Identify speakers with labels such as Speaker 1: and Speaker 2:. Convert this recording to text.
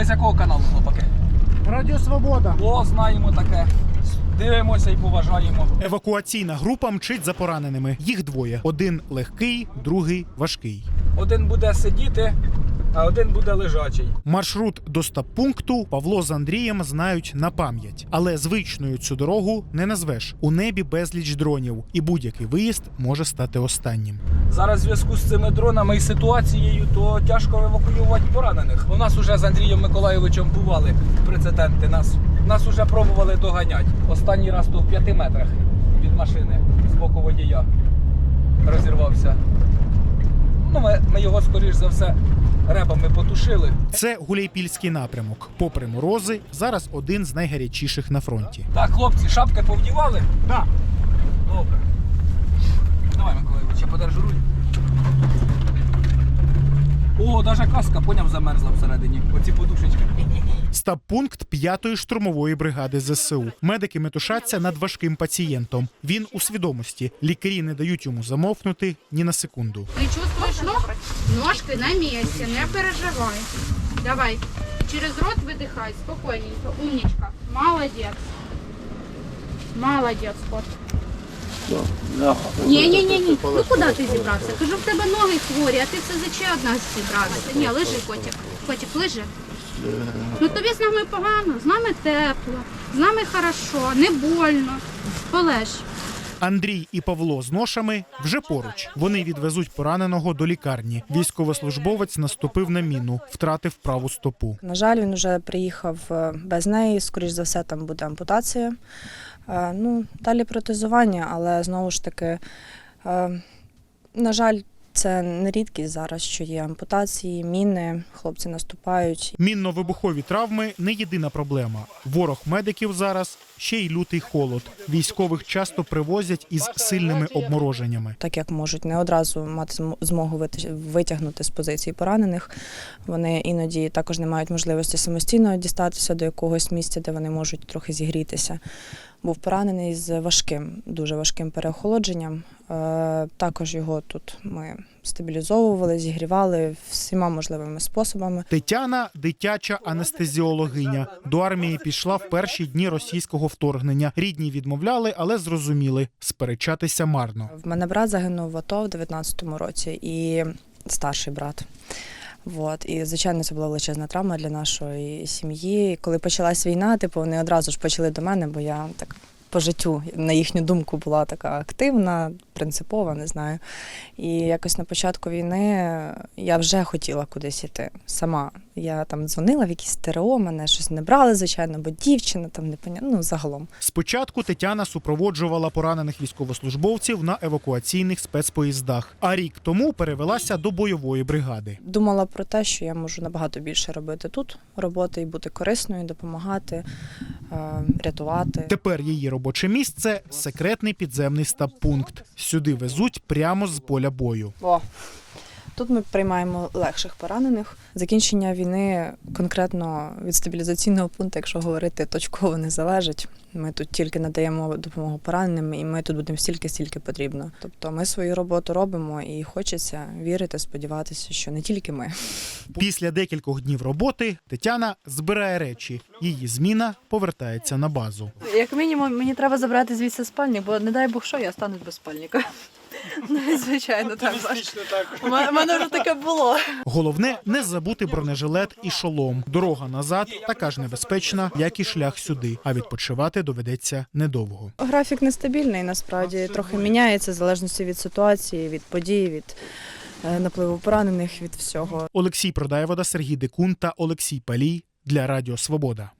Speaker 1: з якого каналу, хлопаки?
Speaker 2: Радіо Свобода.
Speaker 1: О, знаємо таке. Дивимося і поважаємо.
Speaker 3: Евакуаційна група мчить за пораненими. Їх двоє. Один легкий, другий важкий.
Speaker 1: Один буде сидіти, а один буде лежачий.
Speaker 3: Маршрут до стаб-пункту Павло з Андрієм знають на пам'ять. Але звичною цю дорогу не назвеш. У небі безліч дронів. І будь-який виїзд може стати останнім.
Speaker 1: Зараз в зв'язку з цими дронами і ситуацією, то тяжко евакуювати поранених. У нас уже з Андрієм Миколайовичем бували прецеденти. Нас уже пробували доганяти. Останній раз то в 5 метрах від машини з боку водія розірвався. Ну, ми його, скоріш за все, ребами потушили.
Speaker 3: Це Гуляйпільський напрямок. Попри морози, зараз один з найгарячіших на фронті.
Speaker 1: Так, хлопці, шапки повдівали?
Speaker 2: Так.
Speaker 1: Добре. Давай, Миколайович, я подержу руль. О, навіть каска, поняв, замерзла всередині. Оці подушечки.
Speaker 3: Стаб-пункт 5-ї штурмової бригади ЗСУ. Медики метушаться над важким пацієнтом. Він у свідомості. Лікарі не дають йому замовкнути ні на секунду.
Speaker 4: Ты чувствуешь ног? Ножки на месте, не переживай. Давай, через рот выдыхай, спокойненько, умничка. Молодец. Молодец, кот. Ні. Ну куди ти зібрався? Кажу, в тебе ноги хворі, а ти все за ще одна зібрався. Ні, лежи, котик. Котик, лежи. Ну тобі з нами погано, з нами тепло, з нами хорошо, не больно. Полеж.
Speaker 3: Андрій і Павло з ношами вже поруч. Вони відвезуть пораненого до лікарні. Військовослужбовець наступив на міну, втратив праву стопу.
Speaker 5: На жаль, він вже приїхав без неї, скоріш за все, там буде ампутація. Далі протезування, але знову ж таки, на жаль, це не рідкість зараз, що є ампутації, міни, хлопці наступають.
Speaker 3: Мінно-вибухові травми – не єдина проблема. Ворог медиків зараз – ще й лютий холод. Військових часто привозять із сильними обмороженнями.
Speaker 5: Так як можуть не одразу мати змогу витягнути з позиції поранених, вони іноді також не мають можливості самостійно дістатися до якогось місця, де вони можуть трохи зігрітися. Був поранений з дуже важким переохолодженням. Також його тут ми стабілізовували, зігрівали всіма можливими способами.
Speaker 3: Тетяна – дитяча анестезіологиня. До армії пішла в перші дні російського вторгнення. Рідні відмовляли, але зрозуміли – сперечатися марно.
Speaker 5: В мене брат загинув в АТО в 19-му році і старший брат. І, звичайно, це була величезна травма для нашої сім'ї. Коли почалась війна, вони одразу ж почали до мене, бо я так по життю, на їхню думку, була така активна, принципова, не знаю. І якось на початку війни я вже хотіла кудись іти сама. Я там дзвонила в якісь ТРО, мене щось не брали, звичайно, бо дівчина там загалом.
Speaker 3: Спочатку Тетяна супроводжувала поранених військовослужбовців на евакуаційних спецпоїздах, а рік тому перевелася до бойової бригади.
Speaker 5: Думала про те, що я можу набагато більше робити тут роботи і бути корисною, допомагати, рятувати.
Speaker 3: Тепер її робоче місце – секретний підземний стаб-пункт. Сюди везуть прямо з поля бою.
Speaker 5: Тут ми приймаємо легших поранених. Закінчення війни конкретно від стабілізаційного пункту, якщо говорити, точково не залежить. Ми тут тільки надаємо допомогу пораненим, і ми тут будемо стільки потрібно. Тобто ми свою роботу робимо і хочеться вірити, сподіватися, що не тільки ми.
Speaker 3: Після декількох днів роботи Тетяна збирає речі. Її зміна повертається на базу.
Speaker 6: Як мінімум, мені треба забрати звідси спальник, бо не дай Бог що, я стану без спальника. Звичайно, так. У мене вже таке було.
Speaker 3: Головне – не забути бронежилет і шолом. Дорога назад така ж небезпечна, як і шлях сюди. А відпочивати доведеться недовго.
Speaker 5: Графік нестабільний, насправді. Трохи міняється в залежності від ситуації, від подій, від напливу поранених, від всього.
Speaker 3: Олексій Продаєвода, Сергій Декун та Олексій Палій для Радіо Свобода.